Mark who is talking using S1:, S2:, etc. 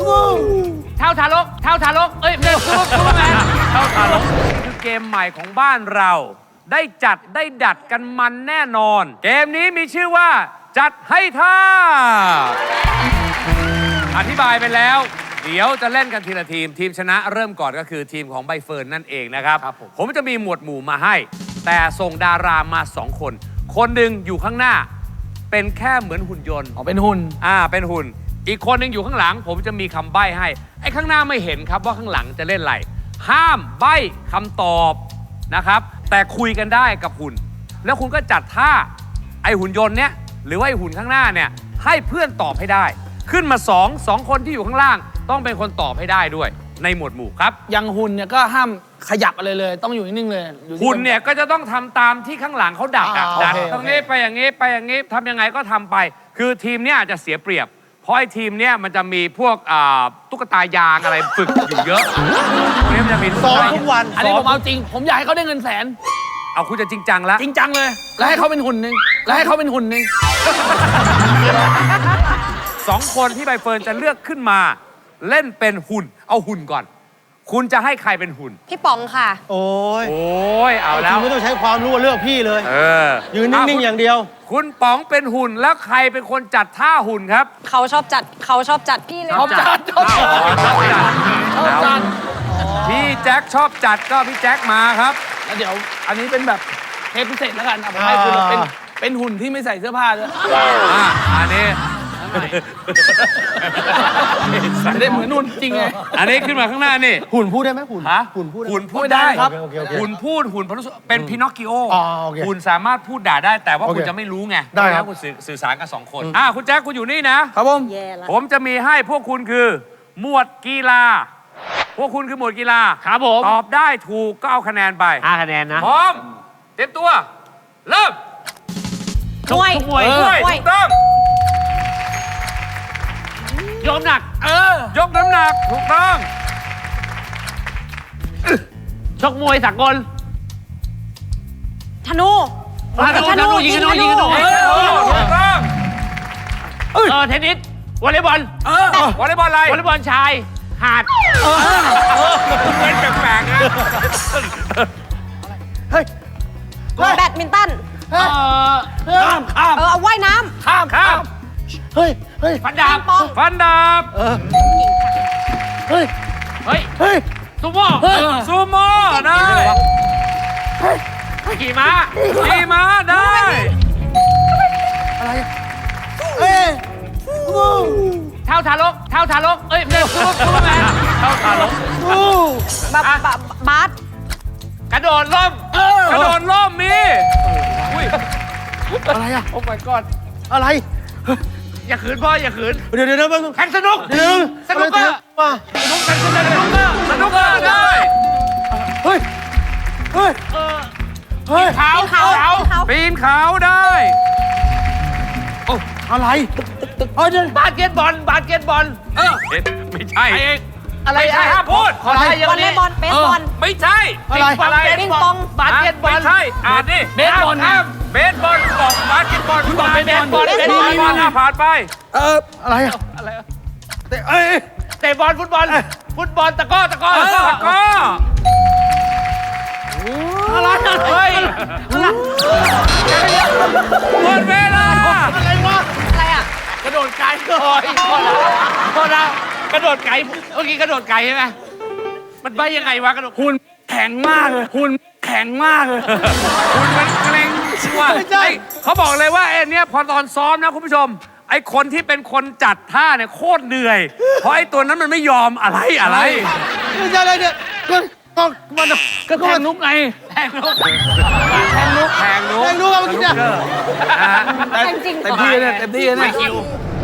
S1: เท่าทารกเท่าทารกเอ้ยไม่ใช่ซูเปอร์แมนเท่าทารกคือเกมใหม่ของบ้านเรา ได้จัดได้ดัดกันมันแน่นอน เกมนี้มีชื่อว่า จัดให้ท่าอธิบายไปแล้ว เดี๋ยวจะเล่นกันทีละทีม ทีมชนะเริ่มก่อนก็คือทีมของใบเฟิร์นนั่นเองนะครับ ผมจะมีหมวดหมู่มาให้ แต่ส่งดารามา2 คน คนหนึ่งอยู่ข้างหน้า เป็นแค่เหมือนหุ่นยนต์
S2: เป็นหุ่น
S1: เป็นหุ่น อีกคนหนึ่งอยู่ข้างหลัง ผมจะมีคำใบ้ให้ ไอ้ข้างหน้าไม่เห็นครับว่าข้างหลังจะเล่นอะไร ห้ามใบ้คำตอบนะครับ แต่คุยกันได้กับหุ่น แล้วคุณก็จัดท่าไอ้หุ่นยนต์เนี้ยหรือว่าไอ้หุ่นข้างหน้าเนี่ยให้เพื่อนตอบให้ได้ ขึ้นมา2 คนที่อยู่ข้างล่าง ต้องเป็นคนตอบให้ได้ด้วยในหมวดหมู่ครับ
S2: อย่างหุ่นเนี่ยก็ห้ามขยับอะไรเลย ต้องอยู่นิ่งๆเลย
S1: หุ่นเนี่ยก็จะต้องทำตามที่ข้างหลังเขาดักดักตรงนี้ไปอย่างนี้ไปอย่างนี้ทำยังไงก็ทำไป คือทีมเนี่ยจะเสียเปรียบ เพราะไอ้ทีมเนี่ยมันจะมีพวกตุ๊กตายางอะไรฝึกอยู่เยอะพวกนี้มันจะมี
S3: ซ้อมทุกวัน
S2: อันนี้ผมเอาจริงผมอยากให้เขาได้เงิน100,000
S1: เอาคุณจะจริงจังแล้ว
S2: จริงจังเลยแล้วให้เขาเป็นหุ่นหนึ่ง
S1: 2 คนที่ใบเฟิร์นจะเลือกขึ้นมาเล่นเป็นหุ่นเอาหุ่นก่อน คุณจะให้ใครเป็นหุ่น
S4: พี่ป๋องค่ะ
S3: โอ้
S1: ยเอาแล้ว
S3: ไม่ต้องใช้ความรู้เลือกพี่เลยยืนนิ่งๆอย่างเดียว
S1: คุณป๋องเป็นหุ่นแล้วใครเป็นคนจัดท่าหุ่นครับ
S4: เขาชอบจัดพี่เลย
S2: ชอบจัด
S1: พี่แจ็คชอบจัดก็พี่แจ็คมาครับ
S2: แล้วเดี๋ยวอันนี้เป็นแบบเทปพิเศษแล้วกันผมให้คุณเป็นหุ่นที่ไม่ใส่เสื้อผ้าด้วย
S1: อันนี้
S2: ไม่ได้เหมือนนุ่นจริงไง
S1: อันนี้ขึ้นมาข้างหน้านี่
S3: หุ่นพูดได้ไหมหุ่น
S1: หุ่นพูดได้ครับหุ่นพูดหุ่นเป็นพินอคกิโอหุ่นสามารถพูดด่าได้แต่ว่าคุณจะไม่รู้ไง
S3: ได้ครับ
S1: คุณสื่อสารกับ2 คนคุณแจ็คคุณอยู่นี่นะครับผมจะมีให้พวกคุณคือหมวดกีฬาพวกคุณคือหมวดกีฬา
S2: ครับผม
S1: ตอบได้ถูกก็เอาคะแนนไป
S2: 5 คะแนนนะ
S1: พร้อมเตรียมตัวเริ่ม
S4: มวย
S1: ถูกต้อง
S2: ยกหนัก
S1: ยกน้ำหนักถูกต้อง
S2: ชกมวยสากล
S4: ธนู
S2: ยิงธนู
S1: ถูกต้อง
S2: เทนนิสวอลเลย์บอล
S1: วอลเลย์บอลอะไร
S2: วอลเลย์บอลชายหาด
S1: เป็นแปลกๆนะ
S4: แบดมินตัน
S2: ข้าม
S4: เอาว่ายน้ำ
S1: ข้าม
S3: เฮ้ย
S2: ฟันดาบเฮ้ยซูโม่
S1: ได้
S2: ขี่ม้า
S1: ได้
S3: อะไร
S2: เท่าทารกเอ้ยไม่ใช่ซูเปอร์แมน
S1: เท่าทารก
S4: บาส
S2: กระโดดร่
S1: มมี
S3: อะไรอะ
S1: โอ้ my god
S3: อะไร
S2: อย่าขืนพ่ออย่าขืน
S3: เดี๋ยว
S2: แข่งสนุกสนุกได้
S1: ปีนเขาได้
S3: อะไร
S2: บาสเกตบอล
S1: ไม่ใช่
S2: อะไร
S1: ห้ามพูด
S4: วอลเลย์บอลเบสบอล
S1: ไม่ใช่
S3: อะไร
S4: ปิงปอง
S2: บาสเกตบอล
S1: ไม่ใช่นี่
S2: เบสบอล
S1: บอกบาสเกตบอลผ่านไป
S3: อะไร
S2: เตะบอลฟุตบอลตะก้อ
S1: อะไรเฮ้ยหมดเวลา
S4: อะไรอ่ะ
S2: กระโดดไกลโทษนะกระโดดไกลเมื่อกี้กระโดดไกลใช่ไหมมันไปยังไงวะกระโดด
S3: หุ่นแข็งมากเลย
S1: หุ่นมันเกร็งว่าเขาบอกเลยว่าเนี่ยพอตอนซ้อมนะคุณผู้ชมไอ้คนที่เป็นคนจัดท่าเนี่ยโคตรเหนื่อยเพราะไอ้ตัวนั้นมันไม่ยอมอะไร
S3: ไม่ใช่อะไรเนี่ยมัน
S2: ก็แทงนุกไง
S1: แทงนุกเมื่อกี้เนี่ย
S4: จริง
S2: เต็มที่เนี่ย